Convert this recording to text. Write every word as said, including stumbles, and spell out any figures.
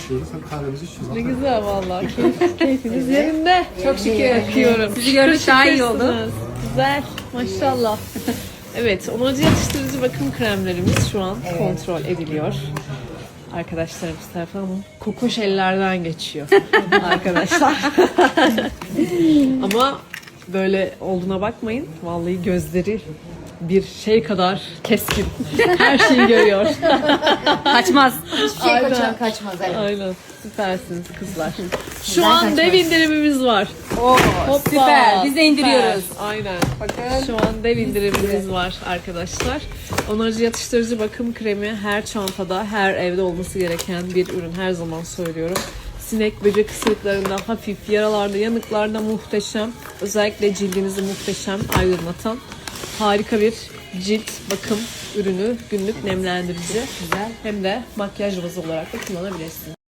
içiyoruz hem kahvemizi içiyoruz. Ne güzel vallahi. Keyif, keyfiniz yerinde. Çok şükür. Bakıyorum. Sizi gördük daha iyi oldu. Şükürsünüz. Güzel. Maşallah. Evet, onarıcı yatıştırıcı bakım kremlerimiz şu an Evet. kontrol ediliyor. Arkadaşlarımız tarafından kokoş ellerden geçiyor. Arkadaşlar. Ama böyle olduğuna bakmayın. Vallahi gözleri bir şey kadar keskin. Her şeyi görüyor. Kaçmaz. Hiçbir şey Aynen. kaçar, kaçmaz. Evet. Aynen. Süpersiniz kızlar. Şu Güzel an kaçmaz. dev indirimimiz var. Oo, Hoppa, süper. Biz de indiriyoruz. süper. Aynen. Bakın. Şu an dev indirimimiz var arkadaşlar. Onarıcı yatıştırıcı bakım kremi her çantada, her evde olması gereken bir ürün. Her zaman söylüyorum. Sinek, böcek ısırıklarında hafif, yaralarda, yanıklarda muhteşem. Özellikle cildinizi muhteşem aydınlatan harika bir cilt bakım ürünü, günlük nemlendirici. Güzel. Hem de makyaj bazı olarak da kullanabilirsiniz.